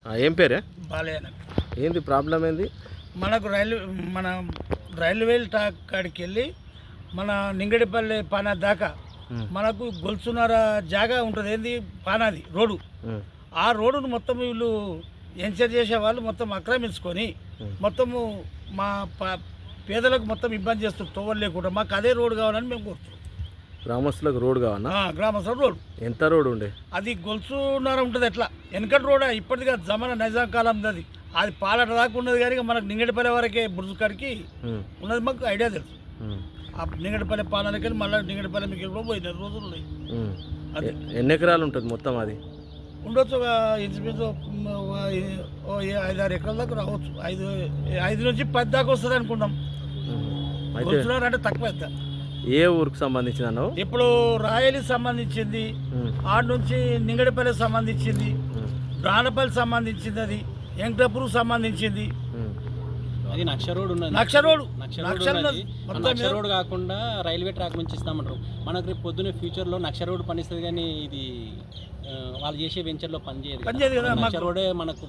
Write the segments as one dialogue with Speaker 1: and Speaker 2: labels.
Speaker 1: ఏం పేరే?
Speaker 2: బాలయ్య.
Speaker 1: ఏంది ప్రాబ్లం ఏంది?
Speaker 2: మనకు మన రైల్వే ట్రాక్ కాడికి వెళ్ళి మన నింగడిపల్లి పానా దాకా మనకు గొలుసున్నర జాగా ఉంటుంది. ఏంది పానాది రోడ్డు. ఆ రోడ్డును మొత్తం వీళ్ళు ఎంచర్ చేసే వాళ్ళు మొత్తం ఆక్రమించుకొని మొత్తము మా పేదలకు మొత్తం ఇబ్బంది చేస్తారు. తోవలు లేకుండా మాకు అదే రోడ్డు కావాలని మేము కోరుతున్నాం.
Speaker 1: గ్రామస్తులకు రోడ్ కావాలా?
Speaker 2: గ్రామస్తులకు రోడ్డు.
Speaker 1: ఎంత రోడ్ ఉండే?
Speaker 2: అది గొలుసున్నర ఉంటుంది. ఎట్లా వెనకటి రోడ్ ఇప్పటిగా జమానా నైజాం కాలం అది. అది పాలట దాకా ఉన్నది కానీ మనకు నింగడిపల్లి వరకే బుర్జు కాడికి ఉన్నది. మాకు ఐడియా తెలుసు. ఆ నింగడిపల్లి పాలనకి వెళ్ళి మళ్ళీ నింగడిపల్లి మీకు కూడా పోయిన రోజులు ఉన్నాయి.
Speaker 1: అది ఎన్ని ఎకరాలు ఉంటుంది మొత్తం? అది
Speaker 2: ఉండొచ్చు ఒక ఇంచుమించు 5-6 ఎకరాల దాకా రావచ్చు. 5 నుంచి 10 దాకా వస్తుంది అనుకుంటాం. అంటే తక్కువ.
Speaker 1: ఏ ఊరికి సంబంధించిన అన్నావు?
Speaker 2: ఇప్పుడు రాయలికి సంబంధించింది, ఆడ నుంచి నింగడిపల్లికి సంబంధించింది, బ్రాణపల్లి సంబంధించింది, అది వెంకటాపూర్కి సంబంధించింది.
Speaker 3: అది నక్ష రోడ్ ఉన్నది.
Speaker 2: నక్ష
Speaker 3: రోడ్ కాకుండా రైల్వే ట్రాక్ నుంచి ఇస్తామంటారు. మనకు రేపు పొద్దున్న ఫ్యూచర్లో నక్ష రోడ్ పనిస్తుంది కానీ ఇది వాళ్ళు చేసే వెంచర్లో పనిచేయదు కదా. నక్ష రోడే మనకు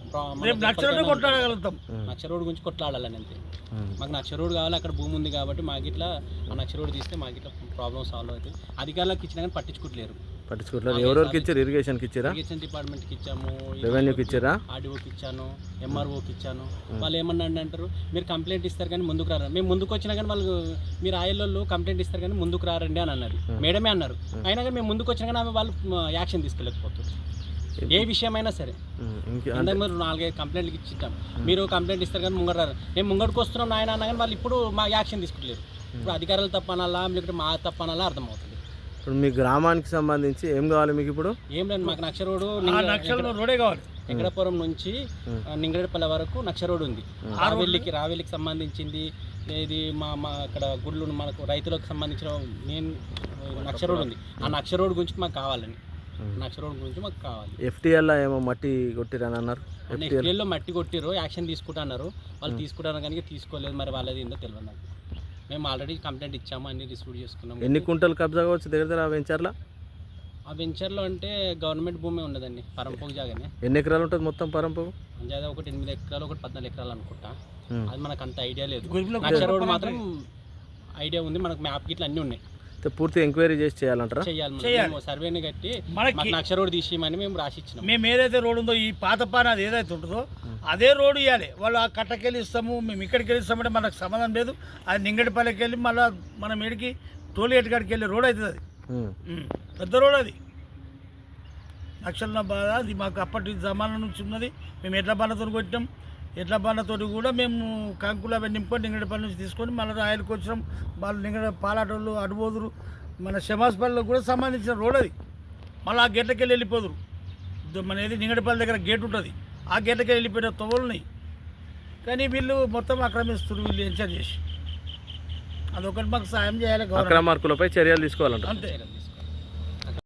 Speaker 3: నక్ష రోడ్ గురించి కొట్లాడాలని అంతే. మాకు నక్ష రోడ్ కావాలి, అక్కడ భూమి ఉంది కాబట్టి మాకు ఇట్లా ఆ నక్ష రోడ్ తీస్తే మాకు ఇట్లా ప్రాబ్లమ్ సాల్వ్ అవుతుంది. అధికారులకు ఇచ్చినా కానీ పట్టించుకోవట్లేరు.
Speaker 1: ఎవరికి ఇచ్చారు? ఇరిగేషన్కి ఇచ్చారా?
Speaker 3: ఇరిగేషన్ డిపార్ట్మెంట్కి ఇచ్చాము,
Speaker 1: రెవెన్యూకి ఇచ్చారా,
Speaker 3: ఆర్డీఓకి ఇచ్చాను, ఎంఆర్ఓకి ఇచ్చాను. వాళ్ళు ఏమన్నా అంటారు, మీరు కంప్లైంట్ ఇస్తారు కానీ ముందుకు రారు. మేము ముందుకు వచ్చినా కానీ వాళ్ళు మీరు ఆయిల్లో కంప్లైంట్ ఇస్తారు కానీ ముందుకు రారండి అని అన్నారు. మేడమే అన్నారు. అయినా కానీ మేము ముందుకు వచ్చినా కానీ వాళ్ళు యాక్షన్ తీసుకోలేకపోతారు. ఏ విషయమైనా సరే. అందరూ మీరు 4-5 కంప్లైంట్కి ఇచ్చాం, మీరు కంప్లైంట్ ఇస్తారు కానీ ముంగడు రారు. మేము ముంగడికి వస్తున్నాం నాయన అన్నా కానీ వాళ్ళు ఇప్పుడు మా యాక్షన్ తీసుకోలేరు. ఇప్పుడు అధికారులు తప్పనాలా లేకపోతే మా తప్పనాలా అర్థమవుతుంది.
Speaker 1: ఇప్పుడు మీ గ్రామానికి సంబంధించి ఏం కావాలి మీకు? ఇప్పుడు
Speaker 3: ఏం లేదు, మాకు నక్ష రోడ్డు
Speaker 2: రోడే కావాలి.
Speaker 3: వెంకటాపురం నుంచి నింగడపల్లి వరకు నక్ష రోడ్ ఉంది. రావెల్లికి సంబంధించింది. ఇది మా అక్కడ గుడ్లు మనకు రైతులకు సంబంధించిన మెయిన్ నక్ష రోడ్ ఉంది. ఆ నక్ష రోడ్ గురించి మాకు కావాలని, నక్ష రోడ్ గురించి మాకు కావాలి.
Speaker 1: ఎఫ్టీఎల్లో ఏమో మట్టి కొట్టిరని అన్నారు.
Speaker 3: ఎఫ్టీఎల్లో మట్టి కొట్టిరు, యాక్షన్ తీసుకుంటా అన్నారు. వాళ్ళు తీసుకుంటారు కానీ తీసుకోలేదు. మరి వాళ్ళది ఏందో తెలియదు నాకు. మేము ఆల్రెడీ కంప్లైంట్ ఇచ్చాము, అన్ని రిసీవ్ చేసుకున్నాము.
Speaker 1: ఎన్ని కుంటలు కబ్జా కావచ్చు దగ్గర ఆ వెంచర్లో?
Speaker 3: ఆ వెంచర్లో అంటే గవర్నమెంట్ భూమి ఉండదండి, పరంపోగు జాగానే.
Speaker 1: ఎన్ని ఎకరాలు ఉంటుంది మొత్తం పరంపోగు?
Speaker 3: జాగా ఒకటి 8 ఎకరాలు, ఒకటి 14 ఎకరాలు అనుకుంటా. అది మనకు అంత ఐడియా లేదు. నక్ష రోడ్ మాత్రం ఐడియా ఉంది. మనకు మ్యాప్ గిట్ల అన్నీ ఉన్నాయి.
Speaker 1: పూర్తి ఎంక్వైరీ చేసి చేయాలంటారా?
Speaker 3: చేయాలి. సర్వేని కట్టి నక్ష రోడ్ తీసేయమని మేము రాసి ఇచ్చినాం.
Speaker 2: మేము ఏదైతే రోడ్ ఉందో ఈ పాత పాన అది ఏదైతే ఉంటుందో అదే రోడ్డు ఇవ్వాలి. వాళ్ళు ఆ కట్టకెళ్ళి ఇస్తాము, మేము ఇక్కడికి వెళ్ళి ఇస్తామంటే మనకు సంబంధం లేదు. అది నింగడిపల్లికి వెళ్ళి మళ్ళీ మనం ఇడికి టోల్గేట్ కాడికి వెళ్ళి రోడ్ అవుతుంది. అది పెద్ద రోడ్. అది నక్షల బాధ. అది మాకు అప్పటి జమానా నుంచి ఉన్నది. మేము ఎడ్ల బండతో కొట్టాం. ఎడ్ల బండతో కూడా మేము కంకులు అవి నింపుకొని నింగడిపల్లి నుంచి తీసుకొని మళ్ళీ రాయలకి వచ్చినాం. వాళ్ళు పాలాటోళ్ళు అడుబోదురు మన శమాస్పల్లికి కూడా సంబంధించిన రోడ్ అది. మళ్ళీ ఆ గేట్లకి వెళ్ళి వెళ్ళిపోదురు. మన ఏది నింగడిపల్లి దగ్గర గేట్ ఉంటుంది, ఆ గేట్లకి వెళ్ళిపోయిన తొవ్వలున్నాయి. కానీ వీళ్ళు మొత్తం ఆక్రమిస్తారు, వీళ్ళు ఎంచర్ చేసి. అదొకటి మాకు సాయం చేయాలి.
Speaker 1: అక్రమార్కులపై చర్యలు తీసుకోవాలంట
Speaker 2: అంతే.